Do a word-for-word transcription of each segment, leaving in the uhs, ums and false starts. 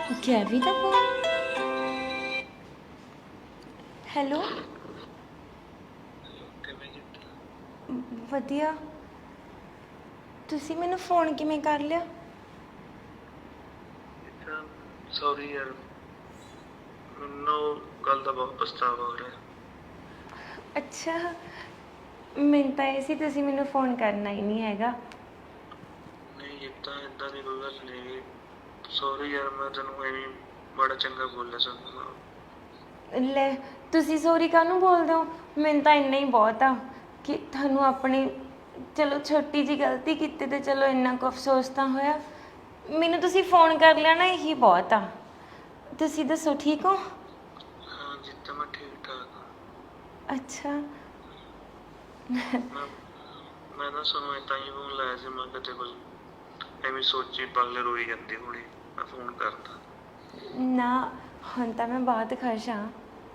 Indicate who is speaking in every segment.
Speaker 1: ਗੈਵੀ ਦਾ phone. Hello. ਵਧੀਆ। ਤੁਸੀਂ ਮੈਨੂੰ ਫੋਨ ਕਿਵੇਂ ਕਰ ਲਿਆ?
Speaker 2: ਸੌਰੀ ਯਾਰ, ਮੈਨੂੰ ਕੱਲ ਦਾ ਬਹੁਤ ਪਛਤਾਵਾ ਹੋ ਰਿਹਾ।
Speaker 1: ਅੱਛਾ, ਮੈਨੂੰ ਤਾਂ ਇਹ ਸੀ ਤੁਸੀਂ ਮੈਨੂੰ ਫੋਨ ਕਰਨਾ ਹੀ ਨਹੀਂ ਹੈਗਾ।
Speaker 2: ਨਹੀਂ ਇਹ ਤਾਂ ਇਦਾਂ ਦੀ ਕੋਈ ਗੱਲ ਨਹੀਂ। ਸੌਰੀ ਯਾਰ, ਮੈਂ ਤੈਨੂੰ ਐਵੇਂ ਬੜਾ ਚੰਗਾ ਬੋਲਿਆ ਸਾਨੂੰ।
Speaker 1: ਲੈ, ਤੁਸੀਂ ਸੌਰੀ ਕਾਹਨੂੰ ਬੋਲਦੇ ਹੋ? ਮੈਨੂੰ ਤਾਂ ਇੰਨਾ ਹੀ ਬਹੁਤ ਆ ਕਿ ਤੁਹਾਨੂੰ ਆਪਣੀ ਚਲੋ ਛੋਟੀ ਜਿਹੀ ਗਲਤੀ ਕੀਤੀ ਤੇ ਚਲੋ ਇੰਨਾ ਕੁ ਅਫਸੋਸ ਤਾਂ ਹੋਇਆ। ਮੈਨੂੰ ਤੁਸੀਂ ਫੋਨ ਕਰ ਲਿਆ ਨਾ, ਇਹੀ ਬਹੁਤ ਆ। ਤੁਸੀਂ ਦੱਸੋ, ਠੀਕ ਹੋ?
Speaker 2: ਹਾਂ ਜਿੱਦਾਂ ਮੈਂ ਠੀਕ ਠਾਕ ਹਾਂ।
Speaker 1: ਅੱਛਾ।
Speaker 2: ਮੈਂ ਮੈਂ ਨਾ ਤੁਹਾਨੂੰ ਏਦਾਂ ਹੀ ਫੋਨ ਲਾਇਆ ਸੀ। ਮੈਂ ਕਿਤੇ ਕੋਈ ਐਵੇਂ ਸੋਚੀ ਪਲ ਰੋਈ ਜਾਂਦੀ ਹੋਣੀ, ਮੈਂ ਫੋਨ ਕਰਦਾ।
Speaker 1: ਨਾ, ਹੁਣ ਤਾਂ ਮੈਂ ਬਹੁਤ ਖੁਸ਼ ਹਾਂ।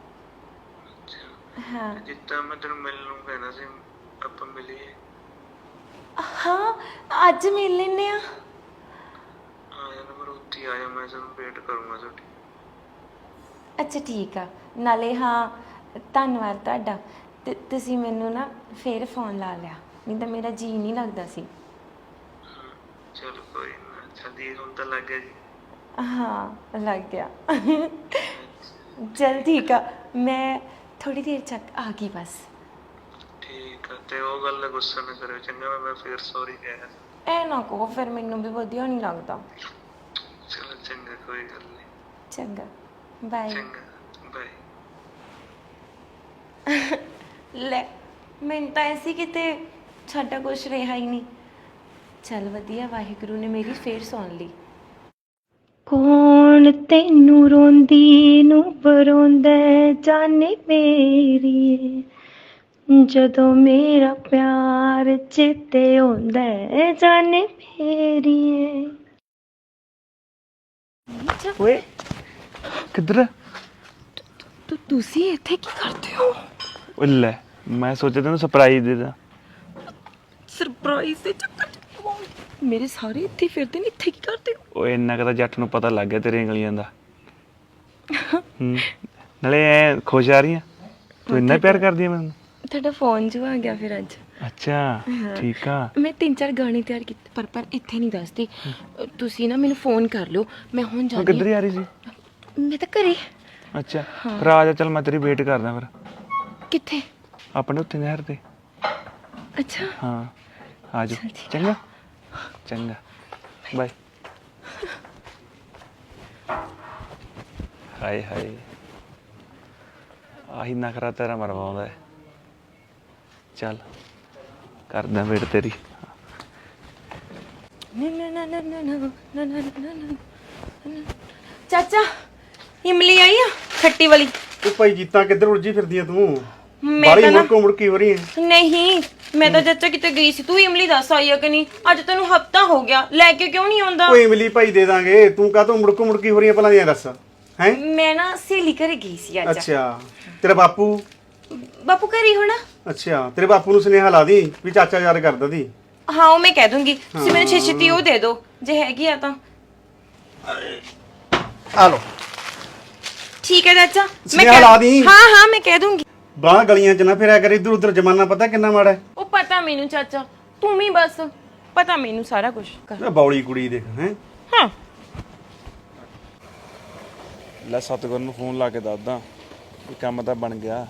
Speaker 1: ਹਾਂ
Speaker 2: ਜਿੱਦਾਂ ਮੈਂ ਤੈਨੂੰ ਮਿਲਣ ਨੂੰ ਕਹਿਣਾ ਸੀ, ਆਪਾਂ ਮਿਲੀਏ।
Speaker 1: ਹਾਂ, ਅੱਜ ਮਿਲ ਲੈਂਦੇ ਆ।
Speaker 2: ਆ ਜਾਣਾ, ਪਰ ਉੱਥੇ ਹੀ ਆ ਜਾ, ਮੈਂ ਤੈਨੂੰ ਵੇਟ ਕਰੂੰਗਾ ਤੁਹਾਡੀ।
Speaker 1: ਅੱਛਾ ਠੀਕ ਆ। ਨਾਲੇ ਹਾਂ, ਧੰਨਵਾਦ ਤੁਹਾਡਾ। ਤੇ ਤੁਸੀਂ ਮੈਨੂੰ ਨਾ ਫੇਰ ਫੋਨ ਲਾ ਲਿਆ, ਨਹੀਂ ਤਾਂ ਮੇਰਾ ਜੀਅ ਨਹੀਂ ਲੱਗਦਾ ਸੀ।
Speaker 2: ਚਲੋ ਕੋਈ ਨਾ, ਜਲਦੀ ਹੁਣ ਤਾਂ ਲੱਗ ਗਿਆ ਜੀ।
Speaker 1: ਹਾਂ ਲੱਗ ਗਿਆ। ਚਲ ਠੀਕ ਆ, ਮੈਂ ਥੋੜੀ ਦੇਰ ਤੱਕ ਆ ਗਈ ਬਸ।
Speaker 2: ਠੀਕ ਆ, ਤੇ ਉਹ ਗੱਲ ਦਾ ਗੁੱਸਾ ਨਾ ਕਰਿਓ ਚੰਗਾ। ਮੈਂ ਫੇਰ ਸੌਰੀ ਕਿਹਾ।
Speaker 1: ਐ ਨਾ ਕਹੋ, ਫਿਰ ਮੈਨੂੰ ਵੀ ਵਧੀਆ ਨਹੀਂ ਲੱਗਦਾ।
Speaker 2: ਚਲੋ ਚੰਗਾ, ਕੋਈ ਗੱਲ ਨਹੀਂ।
Speaker 1: ਚੰਗਾ, ਬਾਏ।
Speaker 2: ਚੰਗਾ ਬਾਏ।
Speaker 1: ਲੈ, ਮੈਨੂੰ ਤਾਂ ਐਸੀ ਕਿਤੇ ਸਾਡਾ ਕੁਛ ਰਿਹਾ ਹੀ ਨਹੀਂ। ਚੱਲ ਵਧੀਆ, ਵਾਹਿਗੁਰੂ ਨੇ ਮੇਰੀ ਫੇਰ ਸੁਣ ਲਈ। ਕੌਣ ਤੈਨੂੰ ਰੋਂਦੀ ਨੂੰ ਪਰੋਂਦਾ ਜਾਨੇ ਮੇਰੀਏ, ਜਦੋਂ ਮੇਰਾ ਪਿਆਰ ਚੇਤੇ ਆਉਂਦਾ ਜਾਨੇ ਮੇਰੀਏ।
Speaker 3: ਓਏ ਕਿੱਧਰ?
Speaker 1: ਤੂੰ ਤੁਸੀਂ ਇੱਥੇ ਕੀ ਕਰਦੇ ਹੋ?
Speaker 3: ਓ ਲੈ, ਮੈਂ ਸੋਚਿਆ ਤੈਨੂੰ ਸਰਪ੍ਰਾਈਜ਼ ਦੇ ਦਾਂ।
Speaker 1: ਸਰਪ੍ਰਾਈਜ਼ ਦੇ ਚੱਕਰ ਚ ਮੇਰੇ ਸਾਰੇ ਇੱਥੇ ਫਿਰਦੇ ਨੇ, ਇੱਥੇ ਕੀ ਕਰਦੇ ਹੋ?
Speaker 3: ਓਏ ਇੰਨਾ ਕੁ ਤਾਂ ਜੱਟ ਨੂੰ ਪਤਾ ਲੱਗ ਗਿਆ ਤੇਰੀਆਂ ਗਲੀਆਂ ਦਾ। ਹੂੰ, ਨਾਲੇ ਐ ਖੁਸ਼ ਆ ਰਹੀ ਆ? ਤੂੰ ਇੰਨਾ ਪਿਆਰ ਕਰਦੀ ਆ ਮੈਨੂੰ?
Speaker 1: ਤੁਹਾਡਾ ਫੋਨ ਜੋ ਆ ਗਿਆ ਫਿਰ ਅੱਜ।
Speaker 3: ਅੱਛਾ ਠੀਕ ਆ।
Speaker 1: ਮੈਂ ਤਿੰਨ ਚਾਰ ਗਾਣੇ ਤਿਆਰ ਕੀਤੇ, ਪਰ ਪਰ ਇੱਥੇ ਨਹੀਂ ਦੱਸਦੀ। ਤੁਸੀਂ ਨਾ ਮੈਨੂੰ ਫੋਨ ਕਰ ਲਿਓ, ਮੈਂ ਹੁਣ
Speaker 3: ਹੁਣ
Speaker 1: ਜਾਂਦੀ
Speaker 3: ਕਿੱਧਰ ਆ ਰਹੀ ਸੀ?
Speaker 1: ਮੈਂ ਤਾਂ ਘਰੇ।
Speaker 3: ਅੱਛਾ ਫਿਰ ਆ ਜਾ, ਚੱਲ ਮੈਂ ਤੇਰੀ ਵੇਟ ਕਰਦਾ ਫਿਰ।
Speaker 1: ਕਿੱਥੇ?
Speaker 3: ਆਪਣੇ ਉੱਥੇ ਨਹਿਰ ਤੇ।
Speaker 1: ਅੱਛਾ
Speaker 3: ਹਾਂ ਆ ਜਾ, ਚੰਗਾ ਚੰਗਾ ਬਾਏ। ਹਾਏ ਹਾਏ, ਆਹੀ ਨਖਰਾ ਤੇਰਾ ਮਰਵਾਉਂਦਾ। ਚੱਲ ਕਰਦਾ ਵੇਟ ਤੇਰੀ।
Speaker 1: ਚਾਚਾ, ਇਮਲੀ ਆਈ ਆ ਖੱਟੀ ਵਾਲੀ?
Speaker 4: ਤੂੰ ਭਾਈ ਜੀਤਾ ਕਿੱਧਰ ਉਲਝੀ ਫਿਰਦੀ ਆ ਤੂੰ?
Speaker 1: ਮੈਂ
Speaker 4: ਬਾਲੀ
Speaker 1: ਤਾਂ ਨਾ
Speaker 4: ਮੁੜਕੋ ਮੁੜਕੀ ਹੋ ਰਹੀ ਹੈ।
Speaker 1: ਨਹੀਂ, ਮੈਂ ਤਾਂ ਚਾਚਾ ਕਿਤੇ ਗਈ ਸੀ। ਤੂੰ ਇਮਲੀ ਦੱਸ ਆਈ ਆ ਕਿ ਨਹੀਂ? ਅੱਜ ਤੈਨੂੰ ਹਫਤਾ ਹੋ ਗਿਆ, ਲੈ ਕੇ ਕਿਉਂ ਨਹੀਂ ਆਉਂਦਾ?
Speaker 4: ਕੋਈ ਇਮਲੀ ਭਾਈ ਦੇ ਦਾਂਗੇ। ਤੂੰ ਕਾਹਤੋਂ ਮੁੜਕੋ ਮੁੜਕੀ ਹੋ ਰਹੀ ਹੈ, ਪਹਿਲਾਂ ਦੀਆਂ ਦੱਸ। ਹੈ
Speaker 1: ਮੈਂ ਨਾ ਸਹੇਲੀ ਘਰੇ ਗਈ ਸੀ ਅੱਜ।
Speaker 4: ਅੱਛਾ, ਤੇਰਾ ਬਾਪੂ?
Speaker 1: ਬਾਪੂ ਘਰੇ ਹੋਣਾ।
Speaker 4: ਅੱਛਾ, ਤੇਰੇ ਬਾਪੂ ਨੂੰ ਸੁਨੇਹਾ ਲਾ ਦੀ ਵੀ ਚਾਚਾ ਯਾਦ ਕਰਦਾ ਦੀ।
Speaker 1: ਹਾਂ ਉਹ ਮੈਂ ਕਹਿ ਦੂੰਗੀ। ਤੁਸੀਂ ਮੈਨੂੰ ਛੇ ਛੇਤੀ ਉਹ ਦੇ ਦਿਓ ਜੇ ਹੈਗੀ ਆ ਤਾਂ।
Speaker 4: ਆ ਲੋ
Speaker 1: ਠੀਕ ਹੈ ਚਾਚਾ, ਮੈਂ
Speaker 4: ਸੁਨੇਹਾ ਲਾ ਦੀ।
Speaker 1: ਹਾਂ ਹਾਂ ਮੈਂ ਕਹਿ ਦੂੰਗੀ।
Speaker 4: ਬਾਹਰ ਗਲੀਆਂ 'ਚ ਨਾ ਫਿਰਿਆ ਕਰ, ਇੱਧਰ ਉੱਧਰ। ਜ਼ਮਾਨਾ ਪਤਾ ਕਿੰਨਾ ਮਾੜਾ ਹੈ।
Speaker 1: ਉਹ ਪਤਾ ਮੈਨੂੰ ਚਾਚਾ, ਤੂੰ ਵੀ ਬਸ ਪਤਾ ਮੈਨੂੰ ਸਾਰਾ ਕੁਝ ਕਰ।
Speaker 4: ਇਹ ਬੌਲੀ ਕੁੜੀ ਦੇਖ ਹੈ।
Speaker 1: ਹਾਂ
Speaker 3: ਲੈ ਸਤਿਗੁਰ ਨੂੰ ਫੋਨ ਲਾ ਕੇ ਦੱਸਦਾ ਵੀ ਕੰਮ ਤਾਂ ਬਣ ਗਿਆ।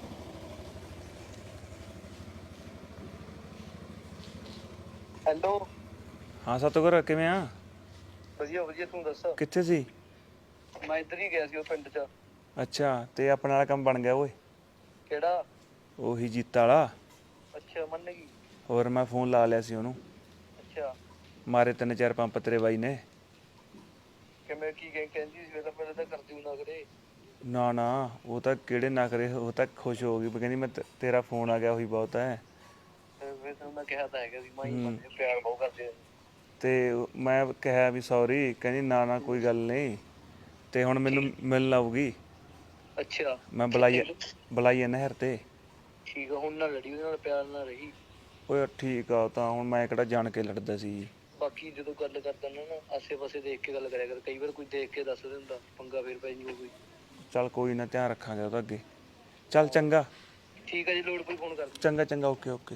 Speaker 2: ਹੈਲੋ।
Speaker 3: ਹਾਂ ਸਤਿਗੁਰ, ਕਿਵੇਂ ਆ?
Speaker 2: ਵਧੀਆ ਵਧੀਆ, ਤੂੰ ਦੱਸ।
Speaker 3: ਕਿੱਥੇ ਸੀ?
Speaker 2: ਮੈਂ ਇੱਧਰ ਹੀ ਗਿਆ ਸੀ ਉਹ ਪਿੰਡ 'ਚ।
Speaker 3: ਅੱਛਾ, ਤੇ ਆਪਣੇ ਵਾਲਾ ਕੰਮ ਬਣ ਗਿਆ ਓਏ?
Speaker 2: ਕਿਹੜਾ?
Speaker 3: ਉਹੀ ਜੀਤਾ ਵਾਲਾ।
Speaker 2: ਅੱਛਾ, ਮੰਨ ਗਈ।
Speaker 3: ਹੋਰ ਮੈਂ ਫੋਨ ਲਾ ਲਿਆ ਸੀ ਉਹਨੂੰ।
Speaker 2: ਅੱਛਾ,
Speaker 3: ਮਾਰੇ ਤਿੰਨ ਚਾਰ ਪੰਪ ਤੇਰੇ ਬਾਈ ਨੇ।
Speaker 2: ਕਿਵੇਂ ਕੀ ਕਹਿੰਦੀ ਸੀ? ਪਹਿਲਾਂ ਪਹਿਲਾਂ ਤਾਂ ਕਰਦੀ ਨਾ ਕਰੇ।
Speaker 3: ਨਾ ਨਾ, ਉਹ ਤਾਂ ਕਿਹੜੇ ਨਾ ਕਰੇ, ਉਹ ਤਾਂ ਖੁਸ਼ ਹੋ ਗਈ। ਕਹਿੰਦੀ ਮੈਂ ਤੇਰਾ ਫੋਨ ਆ ਗਿਆ ਉਹੀ ਬਹੁਤ ਹੈ।
Speaker 2: ਮੈਂ ਕਿਹਾ ਤਾਂ ਹੈਗਾ ਸੀ, ਮੈਂ ਪਿਆਰ ਬਹੁਤ ਕਰਦੇ।
Speaker 3: ਤੇ ਮੈਂ ਕਿਹਾ ਵੀ ਸੌਰੀ, ਕਹਿੰਦੀ ਨਾ ਨਾ ਕੋਈ ਗੱਲ ਨਹੀਂ। ਤੇ ਹੁਣ ਮੈਨੂੰ ਮਿਲਣ ਆਊਗੀ।
Speaker 2: ਅੱਛਾ,
Speaker 3: ਮੈਂ ਬੁਲਾਈ ਬੁਲਾਈ ਨਹਿਰ ਤੇ।
Speaker 2: ਠੀਕ ਆ, ਹੁਣ ਨਾ ਲੜੀ ਉਹਦੇ ਨਾਲ, ਪਿਆਰ ਨਾਲ ਰਹੀ।
Speaker 3: ਓਏ ਠੀਕ ਆ, ਤਾਂ ਹੁਣ ਮੈਂ ਕਿਹੜਾ ਜਾਣ ਕੇ ਲੜਦਾ ਸੀ।
Speaker 2: ਬਾਕੀ ਜਦੋਂ ਗੱਲ ਕਰਦਾ ਨਾ ਨਾ,
Speaker 5: ਆਸੇ-ਪਾਸੇ ਦੇਖ ਕੇ ਗੱਲ ਕਰਿਆ ਕਰ, ਕਈ ਵਾਰ ਕੋਈ ਦੇਖ ਕੇ ਦੱਸ ਦਿੰਦਾ, ਪੰਗਾ ਫੇਰ ਪੈ ਜੂਗਾ ਕੋਈ।
Speaker 3: ਚੱਲ ਕੋਈ ਨਾ, ਧਿਆਨ ਰੱਖਾਂਗੇ ਉਹਦਾ ਅੱਗੇ। ਚੱਲ ਚੰਗਾ।
Speaker 5: ਠੀਕ ਹੈ ਜੀ, ਲੋੜ ਪਈ ਫੋਨ ਕਰ ਦਿਓ।
Speaker 3: ਚੰਗਾ ਚੰਗਾ, ਓਕੇ ਓਕੇ।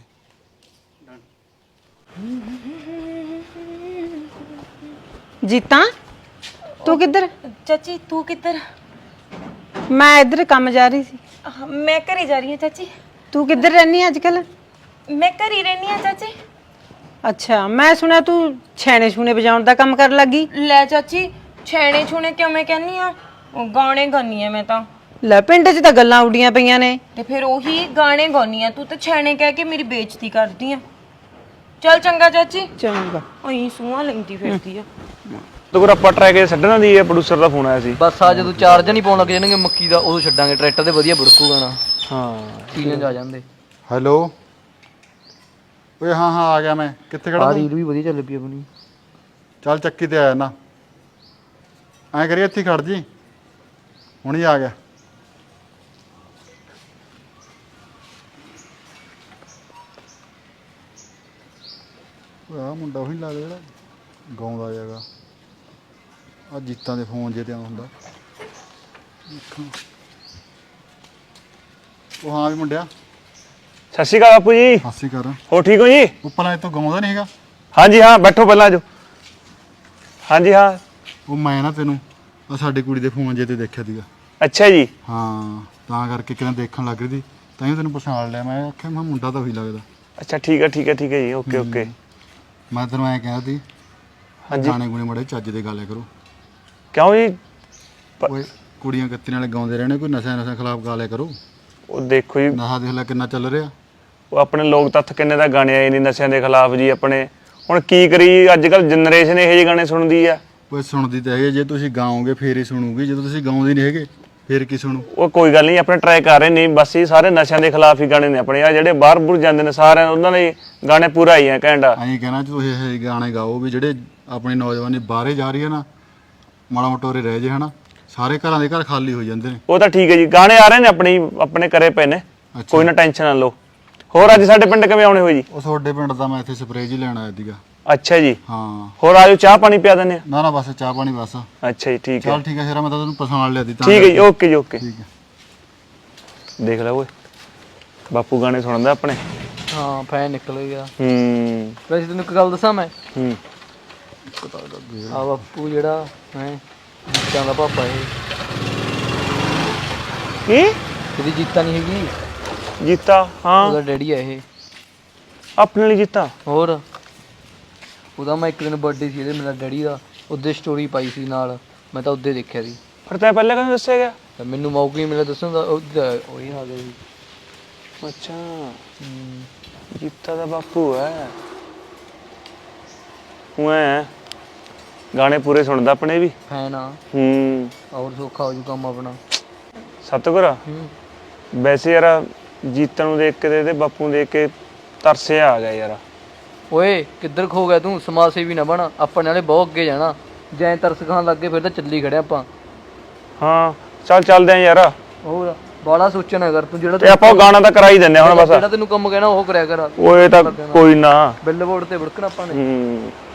Speaker 6: ਜੀਤਾ ਤੂੰ ਕਿੱਧਰ?
Speaker 1: ਚਾਚੀ ਤੂੰ ਕਿੱਧਰ?
Speaker 6: ਮੈਂ ਇੱਧਰ ਕੰਮ ਜਾ ਰਹੀ ਸੀ।
Speaker 1: ਆਹ, ਮੈਂ ਘਰੇ ਜਾ ਰਹੀ ਹਾਂ ਚਾਚੀ।
Speaker 6: ਤੂੰ ਕਿੱਧਰ ਰਹਿਨੀ ਅੱਜ ਕੱਲ?
Speaker 1: ਮੈਂ ਘਰੇ ਹੀ ਰਹਿੰਦੀ ਹਾਂ ਚਾਚੀ।
Speaker 6: ਅੱਛਾ, ਮੈਂ ਸੁਣਿਆ ਤੂੰ ਛੈਣੇ ਛੂਣੇ ਵਜਾਉਣ ਦਾ ਕੰਮ ਕਰਨ ਲੱਗੀ।
Speaker 1: ਲੈ ਚਾਚੀ, ਛੇਣੇ ਛੂਣੇ ਕਿਉਂ ਮੈਂ ਕਹਿੰਨੀ ਆ? ਉਹ ਗਾਣੇ ਗਾਉਣੀ ਆ ਮੈਂ ਤਾਂ।
Speaker 6: ਲੈ ਪਿੰਡ 'ਚ ਤਾਂ ਗੱਲਾਂ ਉੱਡੀਆਂ ਪਈਆਂ ਨੇ।
Speaker 1: ਤੇ ਫਿਰ ਉਹੀ ਗਾਣੇ ਗਾਉਣੀ ਆ, ਤੂੰ ਤਾਂ ਛੇਣੇ ਕਹਿ ਕੇ ਮੇਰੀ ਬੇਇੱਜ਼ਤੀ ਕਰਦੀ ਆ। ਚੱਲ ਚੰਗਾ ਚਾਚੀ।
Speaker 6: ਚੰਗਾ।
Speaker 1: ਅਈ ਸੂਹਾਂ ਲੈਂਦੀ ਫਿਰਦੀ ਆ।
Speaker 3: ਤੋ ਫਿਰ ਆਪਾਂ ਟਰੈਕ ਇਹ ਛੱਡਣਾ ਦੀ ਹੈ, ਪ੍ਰੋਡਿਊਸਰ ਦਾ ਫੋਨ ਆਇਆ ਸੀ।
Speaker 5: ਬਸ ਆ ਜਦੋਂ ਚਾਰਜ ਨਹੀਂ ਪਾਉਣ ਲੱਗ ਜਾਣਗੇ ਮੱਕੀ ਦਾ, ਉਦੋਂ ਛੱਡਾਂਗੇ ਟਰੈਕਟਰ ਤੇ, ਵਧੀਆ ਬੁੜਕੂ ਗਾਣਾ,
Speaker 3: ਹਾਂ
Speaker 5: ਸੀਜ਼ਨ ਆ ਜਾਂਦੇ।
Speaker 4: ਹੈਲੋ ਓਏ ਹਾਂ ਹਾਂ ਆ ਗਿਆ ਮੈਂ। ਕਿੱਥੇ ਖੜਾ
Speaker 5: ਆ
Speaker 4: ਤੂੰ?
Speaker 5: ਰੀਲ ਵੀ ਵਧੀਆ ਚੱਲ ਪਈ ਆਪਣੀ।
Speaker 4: ਚੱਲ ਚੱਕੀ ਤੇ ਆਇਆ ਨਾ। ਐਂ ਕਰੀ ਇੱਥੇ ਹੀ ਖੜ ਜੀ, ਹੁਣੀ ਆ ਗਿਆ। ਆ ਮੁੰਡਾ ਉਹੀ ਲੱਗਦਾ ਜਿਹੜਾ ਗਾਉਂਦਾ ਹੈਗਾ। ਆ ਜੀਤਾਂ ਦੇ ਫੋਨ ਜੇ ਤੇ ਆਉਂਦਾ ਹੁੰਦਾ। ਦੇਖਾਂ। ਉਹ ਹਾਂ ਵੀ ਮੁੰਡਿਆ,
Speaker 3: ਸਤਿ ਸ਼੍ਰੀ ਅਕਾਲ ਬਾਪੂ ਜੀ।
Speaker 4: ਹਾਸੀ ਕਰ।
Speaker 3: ਹੋ ਠੀਕ ਹੋ ਜੀ?
Speaker 4: ਉੱਪਰ ਤੋਂ ਗਾਉਂਦਾ ਨਹੀਂ ਹੈਗਾ।
Speaker 3: ਹਾਂਜੀ ਹਾਂ, ਬੈਠੋ ਪਹਿਲਾਂ ਆਜੋ। ਹਾਂਜੀ ਹਾਂ।
Speaker 4: ਉਹ ਮੈਂ ਨਾ ਤੈਨੂੰ ਆ ਸਾਡੀ ਕੁੜੀ ਦੇ ਫੋਨ ਜੇ ਤੇ ਦੇਖਿਆ ਸੀਗਾ।
Speaker 3: ਅੱਛਾ ਜੀ।
Speaker 4: ਹਾਂ, ਤਾਂ ਕਰਕੇ ਕਿਤੇ ਦੇਖਣ ਲੱਗ ਰਹੀ ਸੀ, ਤਾਂ ਹੀ ਤੈਨੂੰ ਪਛਾਣ ਲਿਆ। ਮੈਂ ਆਖਿਆ ਮੈਂ ਮੁੰਡਾ ਤਾਂ ਉਹੀ ਲੱਗਦਾ।
Speaker 3: ਅੱਛਾ ਠੀਕ ਹੈ ਠੀਕ ਹੈ ਠੀਕ ਹੈ ਜੀ, ਓਕੇ ਓਕੇ।
Speaker 4: ਮੈਂ ਤੈਨੂੰ ਐਂ ਕਹਿੰਦਾ ਸੀ,
Speaker 3: ਹਾਂਜੀ।
Speaker 4: ਗਾਣੇ ਗੁਣੇ ਮੜੇ ਚੱਜ ਦੇ ਗਾਲਿਆ ਕਰੋ।
Speaker 3: ਕਿਉਂ ਜੀ? ਪ-
Speaker 4: ਓਏ ਕੁੜੀਆਂ ਗੱਤੀਆਂ ਵਾਲੇ ਗਾਉਂਦੇ ਰਹਿਣੇ, ਕੋਈ ਨਸ਼ਾ ਨਸ਼ਾ ਖਿਲਾਫ ਗਾਲਿਆ ਕਰੋ।
Speaker 3: ਉਹ ਦੇਖੋ ਜੀ,
Speaker 4: ਨਸ਼ਾ ਦੇਖ ਲੈ ਕਿੰਨਾ ਚੱਲ ਰਿਹਾ।
Speaker 3: ਉਹ ਆਪਣੇ ਲੋਕ ਤੱਥ ਕਿੰਨੇ ਦਾ ਗਾਣੇ ਆਏ ਨੇ ਨਸ਼ਿਆਂ ਦੇ ਖਿਲਾਫ ਜੀ ਆਪਣੇ। ਹੁਣ ਕੀ ਕਰੀ, ਅੱਜ ਕੱਲ ਜਨਰੇਸ਼ਨ ਇਹੋ ਜਿਹੇ ਗਾਣੇ ਸੁਣਦੀ ਆ।
Speaker 4: ਓਏ ਸੁਣਦੀ ਤਾਂ ਹੈਗੇ, ਜੇ ਤੁਸੀਂ ਗਾਓਗੇ ਫੇਰ ਹੀ ਸੁਣੂਗੀ, ਜਦੋਂ ਤੁਸੀਂ ਗਾਉਂਦੇ ਨਹੀਂ ਹੈਗੇ ਫੇਰ ਕੀ ਸੁਣੂ।
Speaker 3: ਉਹ ਕੋਈ ਗੱਲ ਨਹੀਂ, ਆਪਣੇ ਟਰਾਈ ਕਰ ਰਹੇ ਨੇ ਬਸ। ਇਹ ਸਾਰੇ ਨਸ਼ਿਆਂ ਦੇ ਖਿਲਾਫ ਹੀ ਗਾਣੇ ਨੇ ਆਪਣੇ। ਆ ਜਿਹੜੇ ਬਾਹਰ ਬੁਰ ਜਾਂਦੇ ਨੇ ਸਾਰਿਆਂ ਉਹਨਾਂ ਦੇ ਗਾਣੇ ਪੂਰਾ ਹੀ ਆ ਘੈਂਟਾ।
Speaker 4: ਐਂ ਕਹਿਣਾ ਤੁਸੀਂ ਇਹ ਜਿਹੇ ਗਾਣੇ ਗਾਓ ਵੀ ਜਿਹੜੇ ਆਪਣੀ ਨੌਜਵਾਨੀ ਬਾਹਰੇ ਜਾ ਰਹੀ ਹੈ ਨਾ, ਮਾੜਾ ਮੋਟੋਰੇ ਰਹਿ ਜੇ ਹਨਾ। ਸਾਰੇ ਘਰਾਂ ਦੇ ਘਰ ਖਾਲੀ ਹੋ ਜਾਂਦੇ ਨੇ।
Speaker 3: ਉਹ ਤਾਂ ਠੀਕ ਹੈ ਜੀ, ਗਾਣੇ ਆ ਰਹੇ ਨੇ ਆਪਣੇ ਆਪਣੇ ਘਰੇ ਪਏ ਨੇ, ਕੋਈ ਨਾ ਟੈਨਸ਼ਨ ਨਾ ਲਓ। ਹੋਰ ਅੱਜ ਸਾਡੇ ਪਿੰਡ ਕਿਵੇਂ ਆਉਣੇ ਹੋਏ ਜੀ?
Speaker 4: ਉਹ ਤੁਹਾਡੇ ਪਿੰਡ ਦਾ ਮੈਂ ਇੱਥੇ ਸਪਰੇਅ ਜੀ ਲੈਣ ਆਇਆ ਸੀਗਾ।
Speaker 3: ਅੱਛਾ ਜੀ।
Speaker 4: ਹਾਂ।
Speaker 3: ਹੋਰ ਆਜੋ, ਚਾਹ ਪਾਣੀ ਪਿਆ ਦਿੰਦੇ ਆ।
Speaker 4: ਨਾ ਨਾ ਬਸ ਚਾਹ ਪਾਣੀ ਬਸ।
Speaker 3: ਅੱਛਾ ਜੀ ਠੀਕ ਹੈ।
Speaker 4: ਚੱਲ ਠੀਕ ਹੈ ਸ਼ੇਰਾ, ਮੈਂ ਤਾਂ ਤੈਨੂੰ ਪਛਾਣ ਲਿਆ ਦੀ ਤਾਂ।
Speaker 3: ਠੀਕ ਹੈ ਜੀ, ਓਕੇ ਜੀ ਓਕੇ।
Speaker 4: ਠੀਕ ਹੈ।
Speaker 3: ਦੇਖ ਲੈ ਓਏ, ਬਾਪੂ ਗਾਣੇ ਸੁਣਦਾ ਆਪਣੇ।
Speaker 5: ਹਾਂ ਫੈਨ ਨਿਕਲ ਗਿਆ।
Speaker 3: ਹੂੰ
Speaker 5: ਵੈਸੇ ਤੈਨੂੰ ਇੱਕ ਗੱਲ ਦੱਸਾਂ ਮੈਂ,
Speaker 3: ਹੂੰ।
Speaker 5: ਆ ਬਾਪੂ ਜਿਹੜਾ ਹੈ ਜੀਤਾਂ ਦਾ ਪਾਪਾ, ਇਹ
Speaker 3: ਕੀ?
Speaker 5: ਇਹਦੀ ਜੀਤਾ ਨਹੀਂ ਹੈਗੀ,
Speaker 3: ਜੀਤਾ? ਹਾਂ,
Speaker 5: ਉਹਦਾ ਡੈਡੀ ਆ ਇਹ।
Speaker 3: ਆਪਣੇ ਲਈ ਜੀਤਾ?
Speaker 5: ਹੋਰ ਉਹਦਾ ਮੈਂ ਇੱਕ ਦਿਨ ਬਰਥਡੇ ਸੀ ਇਹਦੇ, ਮੇਰਾ ਡੈਡੀ ਦਾ, ਉਹਦੇ ਸਟੋਰੀ ਪਾਈ ਸੀ ਨਾਲ, ਮੈਂ ਤਾਂ ਉਹਦੇ ਦੇਖਿਆ ਸੀ।
Speaker 3: ਫਿਰ ਤੈਂ ਪਹਿਲਾਂ ਕਦੋਂ ਦੱਸਿਆ ਗਿਆ?
Speaker 5: ਤਾਂ ਮੈਨੂੰ ਮੌਕਾ ਹੀ ਮਿਲਿਆ ਦੱਸਣ ਦਾ, ਉਹਦਾ ਉਹੀ ਆ ਗਿਆ ਸੀ।
Speaker 3: ਅੱਛਾ, ਜੀਤਾ ਦਾ ਬਾਪੂ ਹੈ। ਮੈਂ ਗਾਣੇ ਪੂਰੇ ਸੁਣਦਾ ਆਪਣੇ ਵੀ।
Speaker 5: ਫੈਨ ਆ।
Speaker 3: ਹੂੰ।
Speaker 5: ਔਰ ਸੌਖਾ ਹੋ ਜੂ ਕੰਮ ਆਪਣਾ।
Speaker 3: ਸਤਿਗੁਰ
Speaker 5: ਹੂੰ।
Speaker 3: ਵੈਸੇ ਯਾਰ ਜੀਤਾ ਨੂੰ ਦੇਖ ਕੇ ਤੇ ਇਹਦੇ ਬਾਪੂ ਨੂੰ ਦੇਖ ਕੇ ਤਰਸਿਆ ਆ ਗਿਆ ਯਾਰ।
Speaker 5: ਓਏ ਕਿੱਧਰ ਖੋ ਗਿਆ ਤੂੰ? ਸਮਾਜ ਸੇਵੀ ਨਾ ਬਣ, ਆਪਣੇ ਨਾਲੇ ਬਹੁਤ ਅੱਗੇ ਜਾਣਾ। ਜੈ ਤਰਸ ਖਾਣ ਲੱਗ ਗਏ ਫਿਰ ਤਾਂ ਚੱਲੀ ਖੜਿਆ ਆਪਾਂ।
Speaker 3: ਹਾਂ ਚੱਲ ਚੱਲਦੇ ਆ ਯਾਰ।
Speaker 5: ਹੋਰ ਬਾਲਾ ਸੋਚਣਾ ਕਰ ਤੂੰ, ਜਿਹੜਾ
Speaker 3: ਤੇ ਆਪਾਂ ਉਹ ਗਾਣਾ ਤਾਂ ਕਰਾ ਹੀ ਦਿੰਦੇ ਆ ਹੁਣ ਬਸ।
Speaker 5: ਜਿਹੜਾ ਤੈਨੂੰ ਕੰਮ ਕਹਿਣਾ ਉਹ ਕਰਿਆ ਕਰ।
Speaker 3: ਓਏ ਤਾਂ ਕੋਈ ਨਾ।
Speaker 5: ਬਿੱਲ ਬੋਰਡ ਤੇ ਵੜਕਣਾ ਆਪਾਂ ਨੇ।
Speaker 3: ਹੂੰ